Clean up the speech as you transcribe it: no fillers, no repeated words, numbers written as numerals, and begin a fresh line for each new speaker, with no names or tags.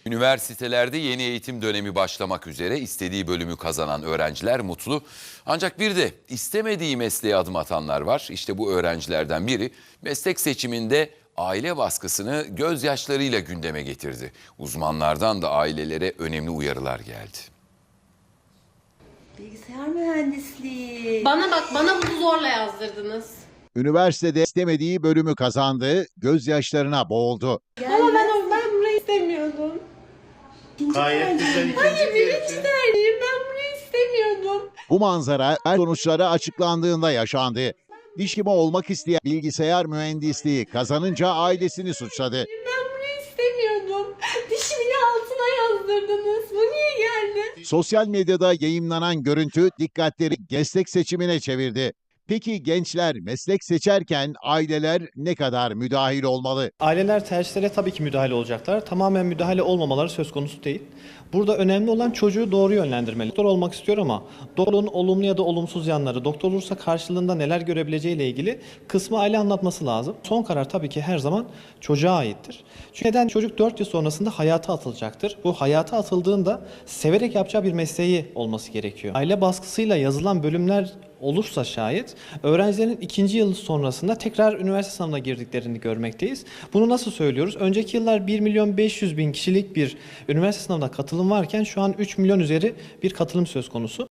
Üniversitelerde yeni eğitim dönemi başlamak üzere istediği bölümü kazanan öğrenciler mutlu. Ancak bir de istemediği mesleğe adım atanlar var. İşte bu öğrencilerden biri meslek seçiminde aile baskısını gözyaşlarıyla gündeme getirdi. Uzmanlardan da ailelere önemli uyarılar geldi.
Bilgisayar mühendisliği.
Bana bak, bana bunu zorla yazdırdınız.
Üniversitede istemediği bölümü kazandı, gözyaşlarına boğuldu.
Ama ben burayı istemiyordum.
Gayet güzel ikinci
Hayır, birinci
tercih.
tercihim. Ben burayı istemiyordum.
Bu manzara sonuçları açıklandığında yaşandı. Diş hekimi olmak isteyen bilgisayar mühendisliği kazanınca ailesini suçladı.
Ben burayı istemiyordum. Dişimin altına yazdırdınız. Bu niye geldi?
Sosyal medyada yayımlanan görüntü dikkatleri meslek seçimine çevirdi. Peki gençler meslek seçerken aileler ne kadar müdahil olmalı?
Aileler tercihlere tabii ki müdahale olacaklar. Tamamen müdahale olmamaları söz konusu değil. Burada önemli olan çocuğu doğru yönlendirmeli. Doktor olmak istiyor ama doktorun olumlu ya da olumsuz yanları, doktor olursa karşılığında neler görebileceğiyle ilgili kısmı aile anlatması lazım. Son karar tabii ki her zaman çocuğa aittir. Çünkü neden? Çocuk 4 yıl sonrasında hayata atılacaktır. Bu hayata atıldığında severek yapacağı bir mesleği olması gerekiyor. Aile baskısıyla yazılan bölümler olursa şayet öğrencilerin ikinci yıl sonrasında tekrar üniversite sınavına girdiklerini görmekteyiz. Bunu nasıl söylüyoruz? Önceki yıllar 1.500.000 kişilik bir üniversite sınavına katılım varken şu an 3 milyon üzeri bir katılım söz konusu.